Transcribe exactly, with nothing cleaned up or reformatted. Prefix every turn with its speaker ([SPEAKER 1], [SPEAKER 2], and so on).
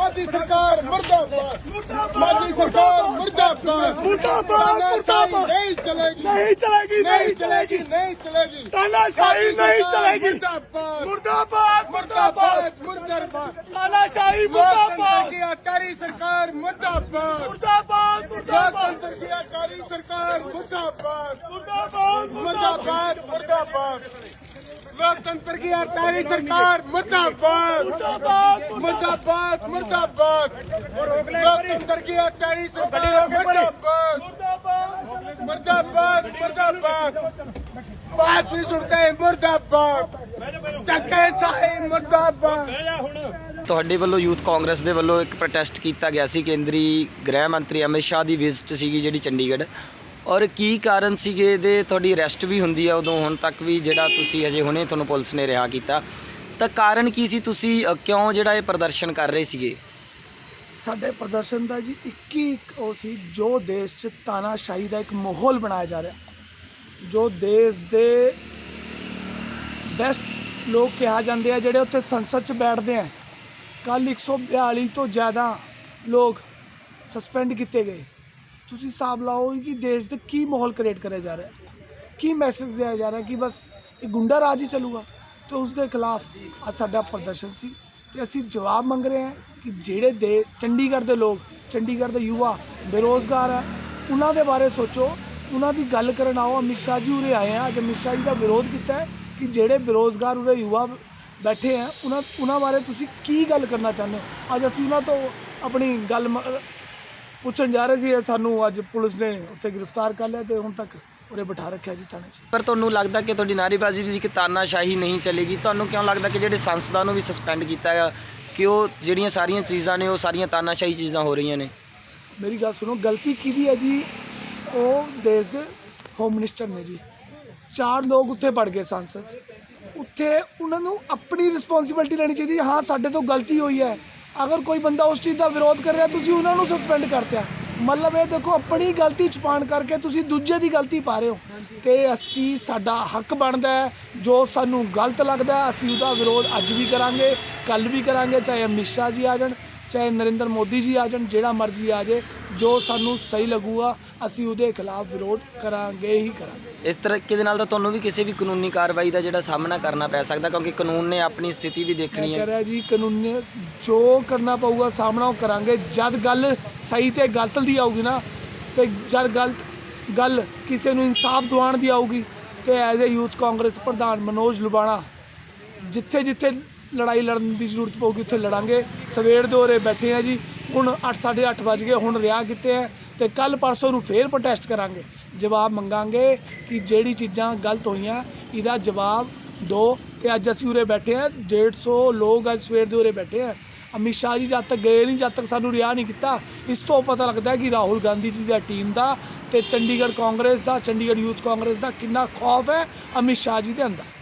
[SPEAKER 1] मोदी सरकार मुर्दाबाद, मोदी सरकार मुर्दाबाद,
[SPEAKER 2] मुर्दाबाद, मुर्दाबाद।
[SPEAKER 1] नहीं चलेगी,
[SPEAKER 2] नहीं चलेगी,
[SPEAKER 1] नहीं चलेगी, नहीं चलेगी,
[SPEAKER 2] तानाशाही नहीं चलेगी।
[SPEAKER 1] मुर्दाबाद,
[SPEAKER 2] मुर्दाबाद,
[SPEAKER 1] मुर्दाबाद, मुर्दाबाद,
[SPEAKER 2] तानाशाही
[SPEAKER 1] लोकतंत्र
[SPEAKER 2] मुर्दाबाद,
[SPEAKER 1] की आकारी सरकार मुर्दाबाद,
[SPEAKER 2] मुर्दाबाद, मुर्दाबाद,
[SPEAKER 1] लोकतंत्र की आकारी सरकार मुर्दाबाद,
[SPEAKER 2] मुर्दाबाद,
[SPEAKER 1] मुर्दाबाद, मुर्दाबाद, लोकतंत्र की आकारी सरकार मुर्दाबाद,
[SPEAKER 2] मुर्दाबाद,
[SPEAKER 1] मुर्दाबाद, मुर्दाबाद, लोकतंत्र की आकारी सरकार मुर्दाबाद, मुर्दाबाद, मुर्दाबाद, बात नहीं सुनते मुर्दाबाद, टक्के साही मुर्दाबाद।
[SPEAKER 3] ਤੁਹਾਡੇ ਵੱਲੋਂ ਯੂਥ ਕਾਂਗਰਸ ਦੇ ਵੱਲੋਂ ਇੱਕ ਪ੍ਰੋਟੈਸਟ ਕੀਤਾ ਗਿਆ ਸੀ ਕੇਂਦਰੀ ਗ੍ਰਹਿ ਮੰਤਰੀ ਅਮਿਤ ਸ਼ਾਹ ਦੀ ਵਿਜ਼ਿਟ ਸੀਗੀ ਜਿਹੜੀ ਚੰਡੀਗੜ੍ਹ, ਔਰ ਕੀ ਕਾਰਨ ਸੀਗੇ ਇਹਦੇ? ਤੁਹਾਡੀ ਅਰੈਸਟ ਵੀ ਹੁੰਦੀ ਆ ਉਦੋਂ, ਹੁਣ ਤੱਕ ਵੀ ਜਿਹੜਾ ਤੁਸੀਂ ਅਜੇ ਹੁਣੇ ਤੁਹਾਨੂੰ ਪੁਲਿਸ ਨੇ ਰਿਹਾ ਕੀਤਾ, ਤਾਂ ਕਾਰਨ ਕੀ ਸੀ? ਤੁਸੀਂ ਅ, ਕਿਉਂ ਜਿਹੜਾ ਇਹ ਪ੍ਰਦਰਸ਼ਨ ਕਰ ਰਹੇ ਸੀਗੇ?
[SPEAKER 2] ਸਾਡੇ ਪ੍ਰਦਰਸ਼ਨ ਦਾ ਜੀ ਇੱਕ ਹੀ ਉਹ ਸੀ, ਜੋ ਦੇਸ਼ 'ਚ ਤਾਨਾਸ਼ਾਹੀ ਦਾ ਇੱਕ ਮਾਹੌਲ ਬਣਾਇਆ ਜਾ ਰਿਹਾ, ਜੋ ਦੇਸ਼ ਦੇ ਬੈਸਟ ਲੋਕ ਕਿਹਾ ਜਾਂਦੇ ਆ ਜਿਹੜੇ ਉੱਥੇ ਸੰਸਦ 'ਚ ਬੈਠਦੇ ਆ। ਕੱਲ੍ਹ ਇੱਕ ਸੌ ਬਿਆਲੀ ਤੋਂ ਜ਼ਿਆਦਾ ਲੋਕ ਸਸਪੈਂਡ ਕੀਤੇ ਗਏ। ਤੁਸੀਂ ਹਿਸਾਬ ਲਾਓ ਕਿ ਦੇਸ਼ ਦੇ ਕੀ ਮਾਹੌਲ ਕ੍ਰੀਏਟ ਕਰਿਆ ਜਾ ਰਿਹਾ, ਕੀ ਮੈਸੇਜ ਦਿਆ ਜਾ ਰਿਹਾ ਕਿ ਬਸ ਇਹ ਗੁੰਡਾ ਰਾਜ ਹੀ ਚੱਲੂਗਾ। ਤੇ ਉਸ ਦੇ ਖਿਲਾਫ ਅੱਜ ਸਾਡਾ ਪ੍ਰਦਰਸ਼ਨ ਸੀ ਤੇ ਅਸੀਂ ਜਵਾਬ ਮੰਗ ਰਹੇ ਹਾਂ ਕਿ ਜਿਹੜੇ ਦੇ ਚੰਡੀਗੜ੍ਹ ਦੇ ਲੋਕ, ਚੰਡੀਗੜ੍ਹ ਦੇ ਯੁਵਾ ਬੇਰੁਜ਼ਗਾਰ ਹੈ, ਉਹਨਾਂ ਦੇ ਬਾਰੇ ਸੋਚੋ, ਉਹਨਾਂ ਦੀ ਗੱਲ ਕਰਨ ਆਓ। ਅਮਿਤ ਸ਼ਾਹ ਜੀ ਉਰੇ ਆਏ ਆ, ਅੱਜ ਅਮਿਤ ਸ਼ਾਹ ਜੀ ਦਾ ਵਿਰੋਧ ਕੀਤਾ ਹੈ ਕਿ ਜਿਹੜੇ ਬੇਰੁਜ਼ਗਾਰ ਉਰੇ ਯੁਵਾ ਬੈਠੇ ਆ, ਉਹਨਾਂ ਉਹਨਾਂ ਬਾਰੇ ਤੁਸੀਂ ਕੀ ਗੱਲ ਕਰਨਾ ਚਾਹੁੰਦੇ ਹੋ। ਅੱਜ ਅਸੀਂ ਉਹਨਾਂ ਤੋਂ ਆਪਣੀ ਗੱਲ ਮ- ਪੁੱਛਣ ਜਾ ਰਹੇ ਸੀ। ਸਾਨੂੰ ਅੱਜ ਪੁਲਿਸ ਨੇ ਉੱਥੇ ਗ੍ਰਿਫਤਾਰ ਕਰ ਲਿਆ ਤੇ ਹੁਣ ਤੱਕ ਉਰੇ ਬਿਠਾ ਰੱਖਿਆ ਜੀ ਥਾਣੇ 'ਚ।
[SPEAKER 3] ਪਰ ਤੁਹਾਨੂੰ ਲੱਗਦਾ ਕਿ ਤੁਹਾਡੀ ਨਾਅਰੇਬਾਜ਼ੀ ਵੀ ਕਿ ਤਾਨਾਸ਼ਾਹੀ ਨਹੀਂ ਚੱਲੇਗੀ? ਤੁਹਾਨੂੰ ਕਿਉਂ ਲੱਗਦਾ ਕਿ ਜਿਹੜੇ ਸੰਸਦਾਂ ਨੂੰ ਵੀ ਸਸਪੈਂਡ ਕੀਤਾ ਹੈ ਕਿ ਉਹ ਜਿਹੜੀਆਂ ਸਾਰੀਆਂ ਚੀਜ਼ਾਂ ਨੇ ਉਹ ਸਾਰੀਆਂ ਤਾਨਾਸ਼ਾਹੀ ਚੀਜ਼ਾਂ ਹੋ ਰਹੀਆਂ ਨੇ?
[SPEAKER 2] ਮੇਰੀ ਗੱਲ ਸੁਣੋ, ਗਲਤੀ ਕਿਹਦੀ ਹੈ ਜੀ? ਉਹ ਦੇਸ਼ ਦੇ ਹੋਮ ਮਿਨਿਸਟਰ ਨੇ ਜੀ। ਚਾਰ ਲੋਕ ਉੱਥੇ ਵੜ ਗਏ ਸੰਸਦ, ਉੱਥੇ ਉਹਨਾਂ ਨੂੰ ਆਪਣੀ ਰਿਸਪੌਂਸਿਬਿਲਟੀ ਲੈਣੀ ਚਾਹੀਦੀ। ਹਾਂ, ਸਾਡੇ ਤੋਂ ਗਲਤੀ ਹੋਈ ਹੈ, ਅਗਰ ਕੋਈ ਬੰਦਾ ਉਸ ਚੀਜ਼ ਦਾ ਵਿਰੋਧ ਕਰ ਰਿਹਾ ਤੁਸੀਂ ਉਹਨਾਂ ਨੂੰ ਸਸਪੈਂਡ ਕਰਤਿਆ, ਮਤਲਬ ਇਹ ਦੇਖੋ ਆਪਣੀ ਗਲਤੀ ਛੁਪਾਉਣ ਕਰਕੇ ਤੁਸੀਂ ਦੂਜੇ ਦੀ ਗਲਤੀ ਪਾ ਰਹੇ ਹੋ। ਤੇ ਅਸੀਂ, ਸਾਡਾ ਹੱਕ ਬਣਦਾ ਹੈ, ਜੋ ਸਾਨੂੰ ਗਲਤ ਲੱਗਦਾ ਅਸੀਂ ਉਹਦਾ ਵਿਰੋਧ ਅੱਜ ਵੀ ਕਰਾਂਗੇ, ਕੱਲ੍ਹ ਵੀ ਕਰਾਂਗੇ, ਚਾਹੇ ਅਮਿਤ ਸ਼ਾਹ ਜੀ ਆ ਜਾਣ, ਚਾਹੇ ਨਰਿੰਦਰ ਮੋਦੀ ਜੀ ਆ ਜਾਣ, ਜਿਹੜਾ ਮਰਜ਼ੀ ਆ ਜਾਏ, ਜੋ ਸਾਨੂੰ ਸਹੀ ਲੱਗੂਗਾ ਅਸੀਂ ਉਹਦੇ ਖਿਲਾਫ ਵਿਰੋਧ ਕਰਾਂਗੇ ਹੀ ਕਰਾਂਗੇ।
[SPEAKER 3] ਇਸ ਤਰੀਕੇ ਦੇ ਨਾਲ ਤਾਂ ਤੁਹਾਨੂੰ ਵੀ ਕਿਸੇ ਵੀ ਕਾਨੂੰਨੀ ਕਾਰਵਾਈ ਦਾ ਜਿਹੜਾ ਸਾਹਮਣਾ ਕਰਨਾ ਪੈ ਸਕਦਾ, ਕਿਉਂਕਿ ਕਾਨੂੰਨ ਨੇ ਆਪਣੀ ਸਥਿਤੀ ਵੀ ਦੇਖਣੀ
[SPEAKER 2] ਮੈਂ
[SPEAKER 3] ਹੈ।
[SPEAKER 2] ਕਹਿ ਰਿਹਾ ਜੀ, ਕਾਨੂੰਨੀ ਜੋ ਕਰਨਾ ਪਊਗਾ ਸਾਹਮਣਾ ਉਹ ਕਰਾਂਗੇ। ਜਦ ਗੱਲ ਸਹੀ ਤੇ ਗਲਤ ਦੀ ਆਊਗੀ ਨਾ, ਤੇ ਜਦ ਗਲਤ ਗੱਲ ਕਿਸੇ ਨੂੰ ਇਨਸਾਫ ਦਿਵਾਉਣ ਦੀ ਆਊਗੀ, ਤੇ ਐਜ਼ ਏ ਯੂਥ ਕਾਂਗਰਸ ਪ੍ਰਧਾਨ ਮਨੋਜ ਲੁਬਾਣਾ ਜਿੱਥੇ ਜਿੱਥੇ ਲੜਾਈ ਲੜਨ ਦੀ ਜ਼ਰੂਰਤ ਪਊਗੀ ਉੱਥੇ ਲੜਾਂਗੇ। ਸਵੇਰ ਦੇ ਉਰੇ ਬੈਠੇ ਆ ਜੀ, ਹੁਣ ਅੱਠ ਸਾਢੇ ਅੱਠ ਵੱਜ ਗਏ, ਹੁਣ ਰਿਹਾ ਕੀਤੇ ਹੈ ਤੇ ਕੱਲ੍ਹ ਪਰਸੋਂ ਨੂੰ ਫੇਰ ਪ੍ਰੋਟੈਸਟ ਕਰਾਂਗੇ। ਜਵਾਬ ਮੰਗਾਂਗੇ ਕਿ ਜਿਹੜੀ ਚੀਜ਼ਾਂ ਗਲਤ ਹੋਈਆਂ ਇਹਦਾ ਜਵਾਬ ਦਿਓ। ਤੇ ਅੱਜ ਅਸੀਂ ਉਰੇ ਬੈਠੇ ਹਾਂ, ਡੇਢ ਸੌ ਲੋਕ ਅੱਜ ਸਵੇਰ ਦੇ ਉਰੇ ਬੈਠੇ ਆ। ਅਮਿਤ ਸ਼ਾਹ ਜੀ ਜਦ ਤੱਕ ਗਏ ਨਹੀਂ, ਜਦ ਤੱਕ ਸਾਨੂੰ ਰਿਹਾ ਨਹੀਂ ਕੀਤਾ। ਇਸ ਤੋਂ ਪਤਾ ਲੱਗਦਾ ਕਿ ਰਾਹੁਲ ਗਾਂਧੀ ਜੀ ਦੀ ਟੀਮ ਦਾ ਤੇ ਚੰਡੀਗੜ੍ਹ ਕਾਂਗਰਸ ਦਾ, ਚੰਡੀਗੜ੍ਹ ਯੂਥ ਕਾਂਗਰਸ ਦਾ ਕਿੰਨਾ ਖੌਫ ਹੈ ਅਮਿਤ ਸ਼ਾਹ ਜੀ ਦੇ ਅੰਦਰ।